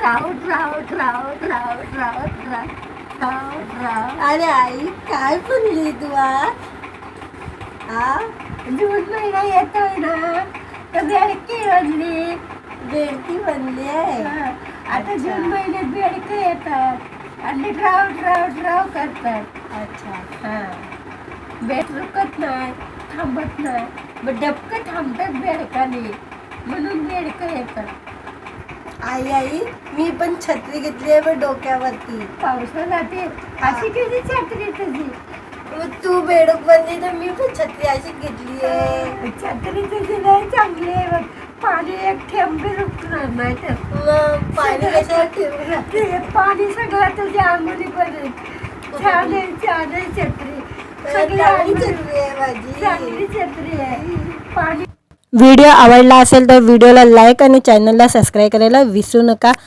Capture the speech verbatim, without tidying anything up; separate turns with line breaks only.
राऊत राऊत राऊत राऊत राऊत राऊत राऊत राऊत.
अरे आई काय म्हणली तू आज? हा
जून महिना येतोय ना तर बेडकी बनली.
बेडकी बनली आहे.
हा, आता जून महिन्यात बेडकं येतात आणि ड्राव ड्राव ड्राव करतात.
अच्छा
हा बेड रुकत नाही, थांबत नाही, मग डबकं थांबतात बेडकाने, म्हणून बेडकं येतात.
आई आई मी पण छत्री घेतली आहे बघ डोक्यावरती.
पावसाला ते अशी किती छत्री तुझी.
मग तू बेडूक बनली तर मी पण छत्री अशी घेतली आहे.
छत्री तुझी नाही चांगली आहे बघ. पाणी एक थेंब बी रुकणार नाही तर
मग पाणी कशाला ठेवलं?
ते पाणी सगळं तुझ्या अंगुली पडेल. छान आहे छान आहे छत्री, सगळी
चांगली
अंगुली-
छत्री आहे माझी.
चांगली छत्री आहे. पाणी
व्हिडिओ आवडला असेल तर व्हिडिओला लाईक आणि चॅनलला सबस्क्राईब करायला विसरू नका.